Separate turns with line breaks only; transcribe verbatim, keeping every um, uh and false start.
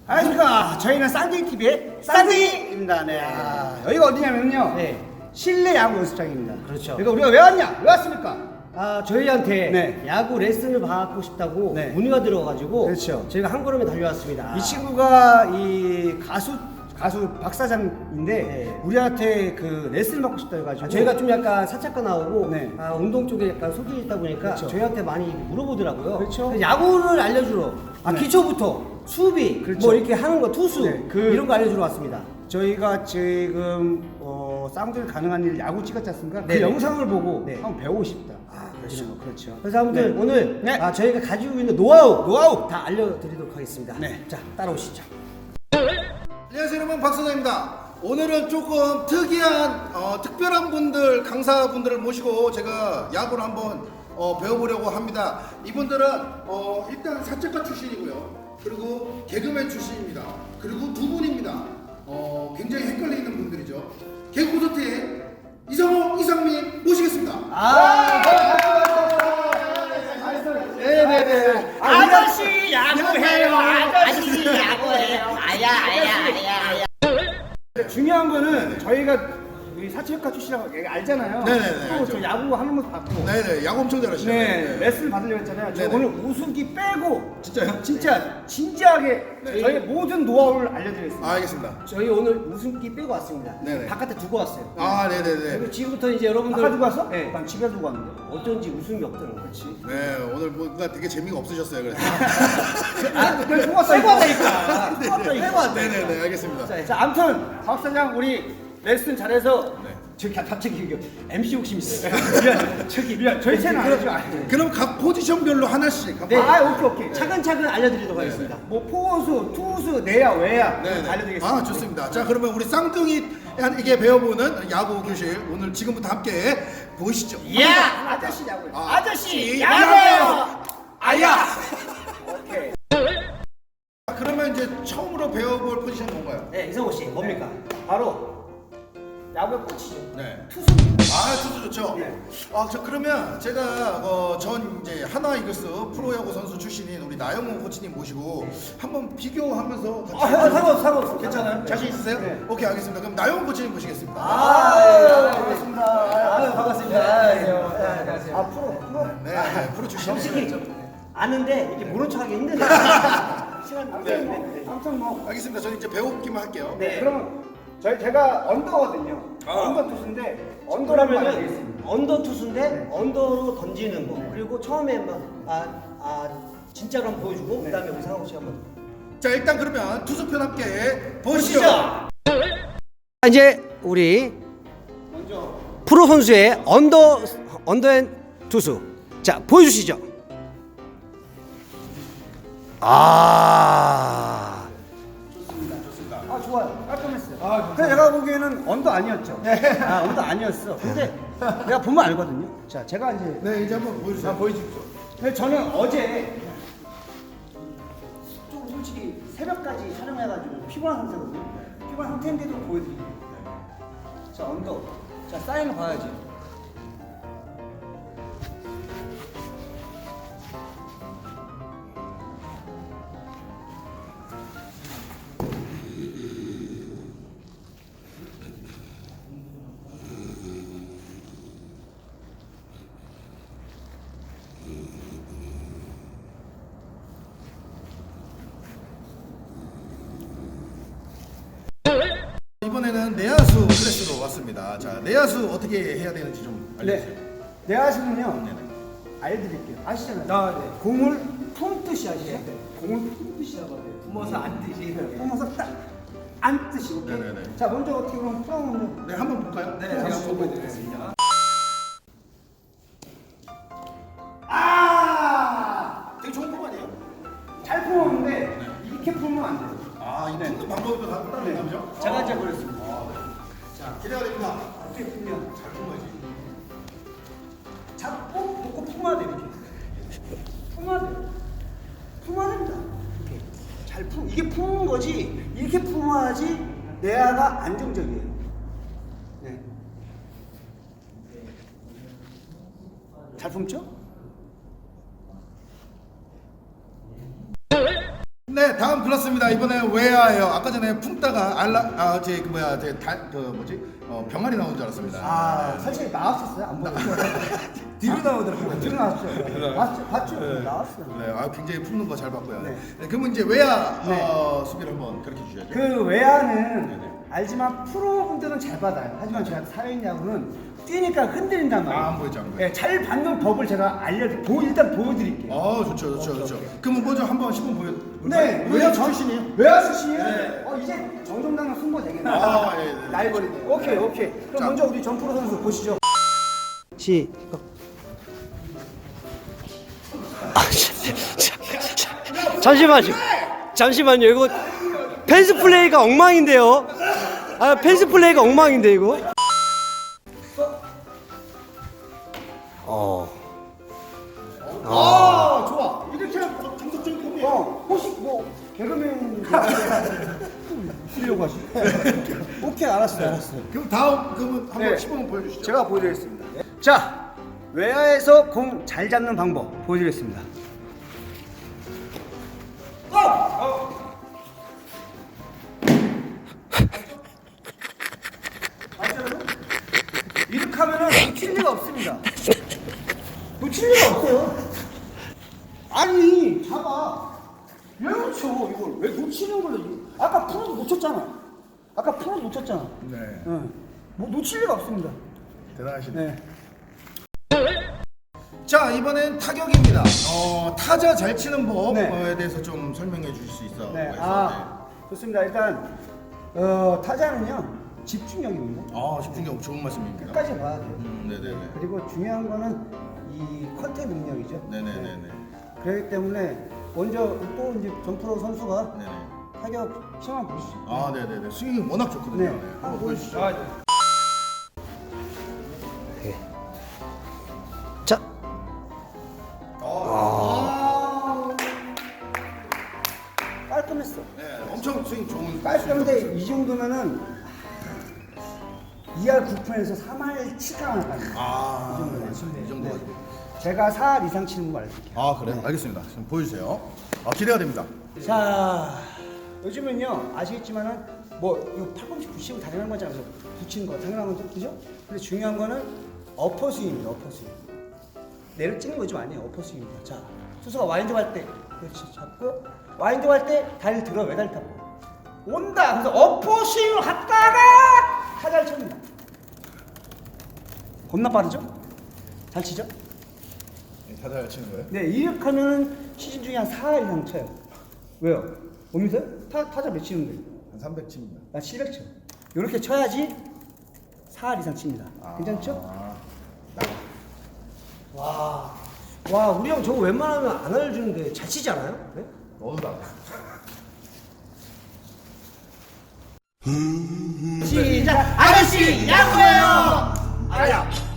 안녕하십니까. 저희는 쌍둥이티비의 쌍둥이입니다. 네. 아, 여기가 어디냐면요.
네.
실내 야구 연습장입니다.
그렇죠.
그러니까 우리가 왜 왔냐? 왜 왔습니까?
아, 저희한테
네.
야구 레슨을 받고 싶다고
네.
문의가 들어가지고
그렇죠.
저희가 한 걸음에 달려왔습니다.
이 친구가 이 가수 가수 박 사장인데
네.
우리한테 그 레슨 받고 싶다 해가지고
아, 저희가 좀 약간 사차가 나오고
네.
아, 운동 쪽에 약간 소질이 있다 보니까
그렇죠.
저희한테 많이 물어보더라고요.
그렇죠.
그래서 야구를 알려주러 아,
네.
기초부터 수비
그렇죠.
뭐 이렇게 하는 거 투수
네, 그-
이런 거 알려주러 왔습니다.
저희가 지금 어, 쌍둥이 가능한 일 야구 찍었지 않습니까? 그
네네.
영상을 보고
네.
한번 배우고 싶다.
아, 그렇죠.
이런 거, 그렇죠.
그래서 아무튼
네.
오늘
네.
아, 저희가 가지고 있는 노하우 노하우 다 알려드리도록 하겠습니다.
네.
자, 따라오시죠.
안녕하세요 여러분, 박사장입니다. 오늘은 조금 특이한 어, 특별한 분들, 강사분들을 모시고 제가 야구를 한번 어, 배워보려고 합니다. 이분들은 어, 일단 사채과 출신이고요, 그리고 개그맨 출신입니다. 그리고 두 분입니다. 어, 굉장히 헷갈리는 분들이죠. 개그 콘서트의 이성호, 이상민 모시겠습니다.
아,
네네네.
아저씨 야구해요. 아저씨 야구해요. 아야 아야 아야 아야.
중요한 거는 저희가 우리 사채과 출신이라고 얘기 알잖아요.
네네네,
또
알죠.
저 야구 하는 모습 봤고.
네네, 야구 엄청 잘하시죠.
네, 레슨을 받으려고 했잖아요. 저
네네.
오늘 우승기 빼고
진짜요?
진짜 진지하게
네.
저희 모든 노하우를 알려드리겠습니다.
아, 알겠습니다.
저희 오늘 웃음기 빼고 왔습니다.
네네.
바깥에 두고 왔어요.
아, 네네네.
그리고 지금부터 이제 여러분들
아까 두고 왔어?
네.
난 집에 두고 왔는데.
어쩐지 웃음이 없더라고요. 그렇지.
네, 오늘 뭔가 되게 재미가 없으셨어요. 그래서.
아, 내가 두고 왔어.
빼고 왔다니까.
네네.
빼고 왔다.
네네네, 알겠습니다.
자,
자, 아무튼 박 사장 우리 레슨 잘해서
네.
저기 갑자기 이거 엠씨 욕심 있어요. 미안, 저기 미안. 저희 채널 알죠?
그럼 각 포지션별로 하나씩 한번.
네.
아, 오케이 오케이.
차근차근 알려드리도록 하겠습니다.
뭐 포수, 투수, 내야, 외야
네네.
알려드리겠습니다.
아, 좋습니다. 자, 그러면 우리 쌍둥이에게 배워보는 야구 교실 오늘 지금부터 함께 보시죠.
야
아저씨 야구.
아,
아저씨 야구해요.
아야.
오케이.
자, 그러면 이제 처음으로 배워볼 포지션 뭔가요?
네, 이성호 씨, 뭡니까?
바로 야구의 꽃이죠.
네.
투수입니다.
아, 투수 좋죠.
네.
아, 저 그러면 제가 어, 전 이제 하나 이글스 프로야구 선수 출신인 우리 나영훈 코치님 모시고 한번 비교하면서 같이.
아, 상관없어, 상관없어.
괜찮아요? 자신 있으세요?
네.
오케이, 알겠습니다. 그럼 나영훈 코치님 모시겠습니다.
아, 예, 반갑습니다.
아유, 반갑습니다. 안녕하세요. 네, 안녕하세요.
아, 프로, 프로.
네, 네, 프로 출신이시죠.
솔직히 아는데 이렇게 모른 척하기 힘드네요. 시간 안
네.
되는데.
아무튼 뭐.
알겠습니다. 저는 이제 배우기만 할게요.
네. 그러면 저희 제가 언더거든요.
아.
언더 투수인데 언더라면
그러면은
알겠습니다.
언더 투수인데
네.
언더로 던지는 거 그리고 처음에 막 아, 아 진짜로 한번 보여주고 그다음에 우리 상호 씨 한번.
자, 일단 그러면 투수편 함께 보시죠.
자, 이제 우리
먼저
프로 선수의 언더 언더앤 투수. 자, 보여주시죠. 아.
아 좋아요. 깔끔했어요. 아, 근데 제가 보기에는 언더 아니었죠. 아 언더 아니었어. 근데 내가 보면 알거든요. 자 제가 이제
네, 이제 한번 보여주세요.
보여주십시오. 근데 저는 어제 좀 솔직히 새벽까지 촬영해가지고 피곤한 상태거든요. 피곤한 상태인데도 보여드릴게요. 자 언더. 자 사인을 봐야지.
이번에는 내야수 클래스로 왔습니다. 자, 내야수 어떻게 해야 되는지 좀 알려주세요.
네. 내야수는요.
네네.
알려드릴게요. 아시잖아요.
아, 네.
공을 품듯이 아시죠? 공을 품듯이라고 해요.
품어서 앉듯이.
품어서 딱 앉듯이. 오케이?
네네네.
자 먼저 어떻게 보면 풀어보면
네, 한번 볼까요?
네, 제가 보여드리겠습니다.
아!
되게 좋은 폼 아니에요?
잘 품었는데 이렇게 품으면 안 돼요.
아, 이 푸는 방법도 다 따로 있죠?
제가 이제 그랬습니다.
자, 기대가 됩니다.
어떻게 품면
잘 품어야지.
잡고 놓고 품어야 돼요. 이렇게. 품어야 돼요. 품어야 됩니다. 이렇게 잘 품. 이게 품는 거지. 이렇게 품어야지 내야가 안정적이에요. 네. 잘 품죠?
네, 다음 그렇습니다. 이번에 외야예요. 아까 전에 품다가 알라 아제그 뭐야 제달그 뭐지 어, 병아리 나온 줄 알았습니다.
아, 사실 나왔었어요. 안 보였어요. 뒤로 나오더라고요. 뒤로 나왔죠. 봤죠? 봤죠? 나왔어요.
네, 아 굉장히 품는 거 잘 봤고요.
네.
네. 그러면 이제 외야
네.
어, 수비를 한번 그렇게 주셔야죠.
그 외야는 알지만 프로분들은 잘 받아요. 하지만 제가 사회인 야구는 뛰니까 흔들린단 말이에요.
아, 안 보이죠, 안 보이죠.
네, 잘 받는 법을 제가 알려 보 일단 보여드릴게요.
아, 좋죠, 좋죠, 좋죠. 그러면 먼저 한번 시범 보여.
네,
외야
전-
출신이에요?
외야 출신이에요?
네.
어, 이제 정정당은 승부 되겠네.
아, 예, 예.
날버리네. 오케이, 오케이. 그럼
자.
먼저 우리 전프로 선수 보시죠. 시작.
잠시만요. 잠시만요. 이거 펜스 플레이가 엉망인데요. 아, 펜스 플레이가 엉망인데 이거. 어.
아, 좋아. 이렇게 정석적인 콤비. 어, 혹시 뭐 개그맨 쓰려고 하시? 오케이, 알았어요, 알았어요.
그럼 다음 그러면 한번
네.
시범 보여주시죠.
제가 보여드리겠습니다. 자, 외야에서 공 잘 잡는 방법 보여드리겠습니다. 맞죠? 이렇게 하면은 놓칠 리가 없습니다. 놓칠 리가 없어요. 아니, 잡아. 왜 놓쳐? 이걸 왜 놓치는 걸로? 아까 프로도 놓쳤잖아. 아까 프로도 놓쳤잖아.
네,
응. 뭐 놓칠 리가 없습니다.
대단하시네.
네.
자, 이번엔 타격입니다. 어, 타자 잘 치는 법에
네.
대해서 좀 설명해 주실 수 있어.
네.
해서,
아, 좋습니다. 일단 어, 타자는요 집중력입니다.
네. 아, 집중력 좋은 말씀입니다.
끝까지 봐야 돼요.
음, 네네네.
그리고 중요한 거는 이 컨택 능력이죠.
네네네네.
그렇기 때문에 먼저 또 이제 전프로 선수가
네네.
타격 시험 한번 보시죠.
아, 네네네. 스윙이 워낙 좋거든요.
네.
네. 한번 보여주시죠.
자,
아, 깔끔했어.
네, 엄청 스윙 좋은.
깔끔한데 이 정도면은 이 할 구 푼에서 삼 할 칠가 나가요.
아,
이 정도면.
이 정도.
네. 제가 사 할 이상 치는 거 알려드릴게요.
아, 그래? 알겠습니다. 지금 보여주세요. 아, 기대가 됩니다.
자, 요즘은요 아시겠지만은 뭐 이거 팔꿈치 붙이고 당연한 거잖아요. 그래서 붙이는 거 당연한 거죠, 그죠? 근데 중요한 거는 어퍼 스윙입니다. 어퍼 스윙. 내를 찍는 거 좀 아니에요. 어퍼 스윙입니다. 자, 투수가 와인드 할 때 그렇지 잡고 와인드 할 때 다리를 들어 왜 다리 타고 온다. 그래서 어퍼 스윙을 갔다가 타자를 칩니다. 겁나 빠르죠? 잘 치죠?
타자 잘 치는 거예요?
네, 이렇게 하면은 시즌 중에 한 사 할 이상 쳐요. 왜요? 못 믿어요? 타, 타자 몇 치는데?
한 삼백 칩니다.
나 칠백 쳐. 이렇게 쳐야지 사 할 이상 칩니다.
아.
괜찮죠?
아,
와, 와, 우리 형 저거 웬만하면 안 알려주는데 잘 치지 않아요? 네?
너도다.
시작. 아저씨 야구해요.
아야.